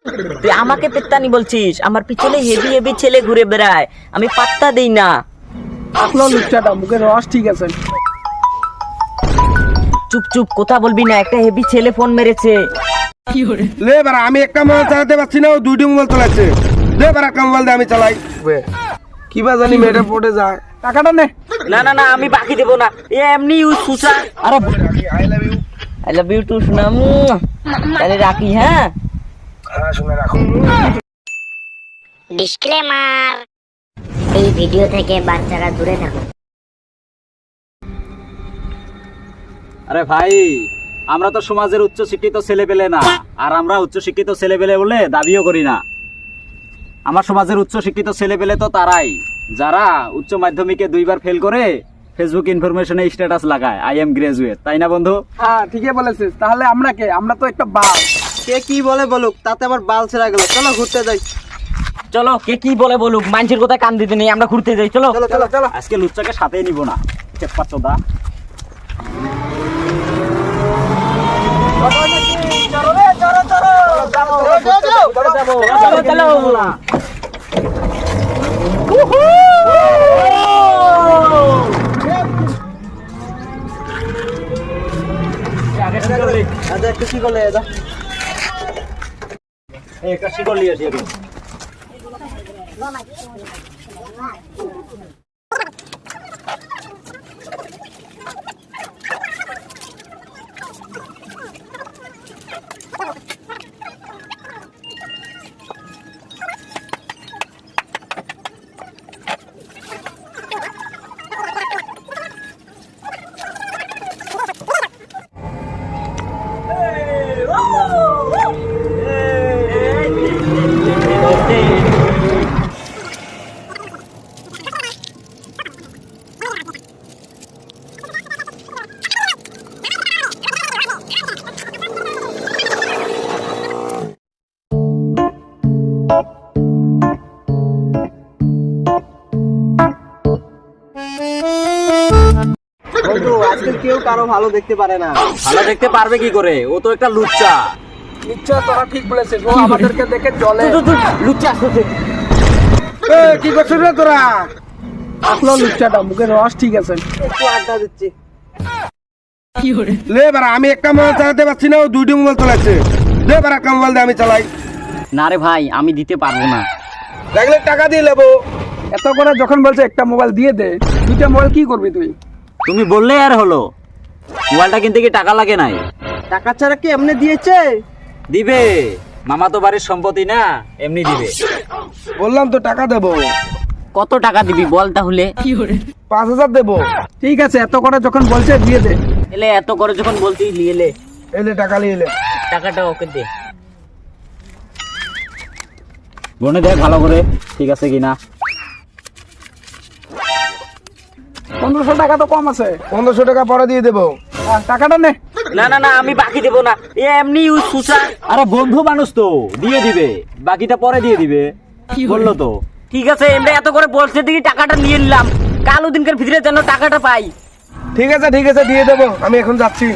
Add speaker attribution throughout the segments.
Speaker 1: তুই আমাকে পেত্তানি বলছিস? আমার পিছনে হেভি হেভি ছেলে ঘুরে বেড়ায়, আমি পাত্তা দেই না।
Speaker 2: আসলো লুচ্চাটা, মুখের রস ঠিক আছে।
Speaker 1: চুপ চুপ, কথা বলবি না। একটা হেভি ছেলে ফোন মেরেছে।
Speaker 3: লে বারা, আমি একটা মোবাইল চালাতে পারছি না, ও দুইটি মোবাইল চালাচ্ছে। দে বারা, একটা মোবাইল দিয়ে আমি চালাই। কি বা জানি মেয়েটা পড়ে যায়।
Speaker 2: টাকাটা নে।
Speaker 1: না না না, আমি বাকি দেবো না। এ এমনি ইউজ সুসা। আরে
Speaker 3: I love you.
Speaker 1: I love you too সোনা। তাহলে রাখি, হ্যাঁ?
Speaker 3: হ্যাঁ, শুনে রাখো।
Speaker 4: ডিসক্লেমার, এই ভিডিও থেকে বাচ্চারা দূরে থাকুন।
Speaker 5: আরে ভাই, আমরা তো সমাজের উচ্চ শিক্ষিত ছেলে পেলে না, আর আমরা উচ্চ শিক্ষিত ছেলে পেলে বলে দাবিও করি না। আমার সমাজের উচ্চ শিক্ষিত ছেলে পেলে তো তারাই যারা উচ্চ মাধ্যমিকে 2বার ফেল করে ফেসবুক ইনফরমেশনে স্ট্যাটাস লাগায় আই এম গ্রাজুয়েট, তাই না বন্ধু?
Speaker 2: হ্যাঁ, ঠিকই বলেছিস। তাহলে আমরা কে? আমরা তো একটা বাল।
Speaker 6: কে কি বলে বলুক, তাতে আবার বাল ছেড়া গেল। চলো ঘুরতে যাই।
Speaker 1: চলো, কে কি বলে বলুক, মানুষের কথায় কান দিতে নেই, আমরা ঘুরতে যাই। চলো
Speaker 6: চলো চলো চলো।
Speaker 5: আজকে লুচ্চাকে সাথেই নিব না, চেপ্পা চোদা।
Speaker 1: চলো চলো।
Speaker 6: আচ্ছা, একটু কি করলে দাদা?
Speaker 5: একটা শিকড় নিয়ে আসি এখন।
Speaker 6: বন্ধু, আজকাল কেউ কারো ভালো দেখতে পারে না।
Speaker 5: ভালো দেখতে পারবে কি করে? ও তো একটা লুচ্চা।
Speaker 2: নিশ্চয় তোরা ঠিক বলেছিস। ও আমাদেরকে দেখে চলে।
Speaker 1: লুচ্চা আসতেছে।
Speaker 3: এ, কি করছিস রে তোরা?
Speaker 2: আসলো লুচ্চাটা, মুখের রস ঠিক আছে।
Speaker 6: একটু আড্ডা দিচ্ছি।
Speaker 3: লে বারা, আমি একটা মোবাইল চালাতে পারছি না, ও দুইটি মোবাইল চালাচ্ছে। দে বারা, একটা মোবাইল দিয়ে আমি চালাই।
Speaker 1: না রে ভাই, আমি দিতে পারবো না।
Speaker 3: লাগলে টাকা দিয়ে নেবো।
Speaker 2: এত করে যখন বলছে একটা মোবাইল দিয়ে দে, দুইটা মোবাইল কি করবি তুই?
Speaker 5: তুমি বললেই আর হলো। মোবাইলটা কিনতে কি টাকা লাগে নাই?
Speaker 6: টাকা ছাড়া কি এমনি দিয়েছে?
Speaker 5: দিবে, মামা তো বাড়ির সম্পত্তি না, এমনি দিবে।
Speaker 3: বললাম তো টাকা দেবো।
Speaker 1: কত টাকা দিবি বল তাহলে?
Speaker 3: 5,000 দেবো।
Speaker 2: ঠিক আছে, এত করে যখন বলছে দিয়ে দে।
Speaker 1: এলে এত করে যখন বলতেই নিয়ে এলে,
Speaker 3: এলে টাকা নিয়ে এলে।
Speaker 1: টাকাটা ওকে দে।
Speaker 5: গনে দেখ ভালো করে, ঠিক আছে কিনা।
Speaker 2: 1500 টাকা তো কম আছে।
Speaker 3: 1500 টাকা পরে দিয়ে দেবো।
Speaker 2: টাকাটা নে।
Speaker 1: না না না, আমি বাকি দেবো না। এ এমনি ইউজ সুসা।
Speaker 5: আরে বন্ধু মানুষ তো দিয়ে দিবে, বাকিটা পরে দিয়ে দিবে বললো তো।
Speaker 1: ঠিক আছে, এমনি এত করে বলছে দেখি টাকাটা নিয়ে নিলাম। কাল ওদিনকার ভিতরে যেন টাকাটা পাই।
Speaker 3: ঠিক আছে দিয়ে দেবো, আমি এখন যাচ্ছি।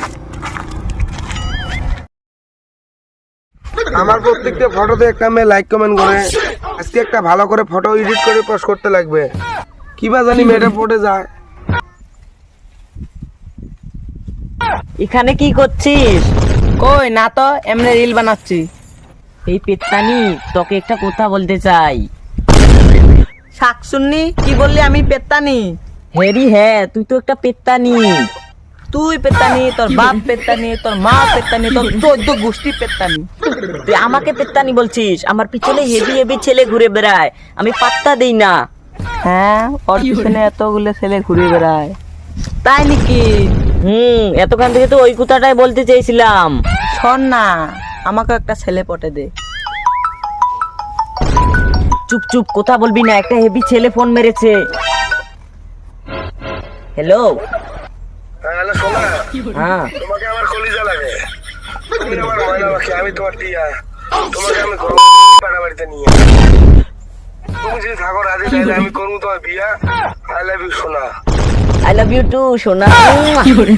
Speaker 3: আমার প্রত্যেকটা ফটোতে একটা মেয়ে লাইক কমেন্ট করে। আজকে একটা ভালো করে ফটো এডিট করে পোস্ট করতে লাগবে। কি বা জানি মেয়েটা পড়ে যায়।
Speaker 1: এখানে কি করছিস?
Speaker 6: কই না তো, এমনি রিল বানাচ্ছি।
Speaker 1: এই পেত্তানি, তোকে একটা কথা বলতে চাই।
Speaker 6: শাকসুন্নি, কি বললি? আমি পেত্তানি?
Speaker 1: হেরি হ্যাঁ, তুই তো একটা পেত্তানি।
Speaker 6: তুই পেত্তানি, তোর বাপ পেত্তানি, তোর মা পেত্তানি, তোর 14 গোষ্ঠী পেত্তানি।
Speaker 1: তুই আমাকে পেত্তানি বলছিস? আমার পিছনে হেভি হেভি ছেলে ঘুরে বেড়ায়, আমি পাত্তা দেই না।
Speaker 6: হ্যাঁ, ওর পিছনে এতগুলো ছেলে ঘুরে বেড়ায়, তাই নাকি?
Speaker 1: এতক্ষণ থেকে তো ওই কথাটাই বলতে চেয়েছিলাম।
Speaker 6: শোন না, আমাকে একটা ছেলে পটে দে।
Speaker 1: চুপ চুপ, কথা বলবি না। একটা হেভি ছেলে ফোন মেরেছে। হ্যালো।
Speaker 3: হ্যালো সোনা,
Speaker 1: হ্যাঁ,
Speaker 3: তোমাকে আমার কলিজা লাগে। তুমি আমার ময়না পাখি, আমি তোমার টিয়া। তোমাকে আমি পাড়া বাড়িতে নিয়ে। তুমি যদি থাকো রাজি, তাহলে আমি করবো তোমার বিয়া। আই লাভ ইউ সোনা।
Speaker 1: আই লাভ ইউ টু সোনা।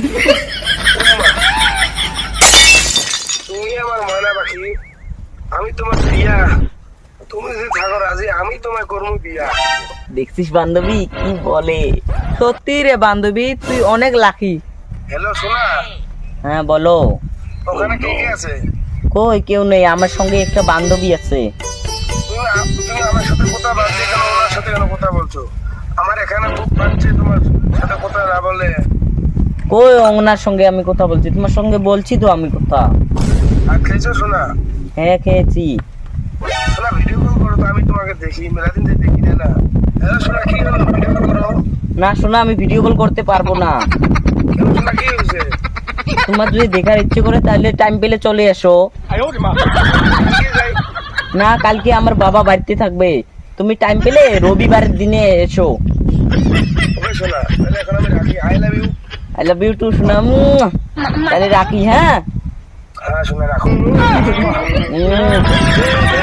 Speaker 3: তুমি আমার ময়না পাখি, আমি তোমার বিয়া, তুমি যদি থাকো রাজি আমি তোমায় করবো বিয়া।
Speaker 1: দেখছিস বান্ধবী কি বলে?
Speaker 6: সত্যি রে বান্ধবী, তুই অনেক লাকি।
Speaker 3: হ্যালো সোনা,
Speaker 1: হ্যাঁ বলো।
Speaker 3: ওখানে কে কে আছে?
Speaker 1: কই কেউ নেই, আমার সঙ্গে একটা বান্ধবী আছে।
Speaker 3: তুমি আমার সাথে কথা বলছো কেন, ওনার সাথে কেন কথা বলছো? আমার এখানে খুব পাচ্ছে তোমার সাথে কথা না বলে।
Speaker 1: কই ওনার সঙ্গে আমি কথা বলছি? তোমার সঙ্গে বলছি তো আমি কথা।
Speaker 3: আর খেয়েছো সোনা?
Speaker 1: হ্যাঁ খেয়েছি।
Speaker 3: সোনা ভিডিও কল করো তো, আমি তোমাকে দেখি, মেলাদিন থেকে দেখি না। হ্যালো সোনা, কি হলো? ভিডিও কল করো।
Speaker 1: না শোনা, আমি ভিডিও কল করতে পারবো না।
Speaker 3: কেন সোনা, কি হয়েছে?
Speaker 1: তোমার যদি দেখার ইচ্ছে করে তাহলে টাইম পেলে চলে এসো।
Speaker 3: কালকে যাই।
Speaker 1: না কালকে আমার বাবা বাড়িতে থাকবে, তুমি টাইম পেলে রবিবারের দিনে এসো।
Speaker 3: ওকে সোনা, তাহলে এখন আমি রাখি। I love you.
Speaker 1: I love you too সোনা। তাহলে রাখি হ্যাঁ।
Speaker 3: হ্যাঁ সোনা রাখো।
Speaker 1: উম।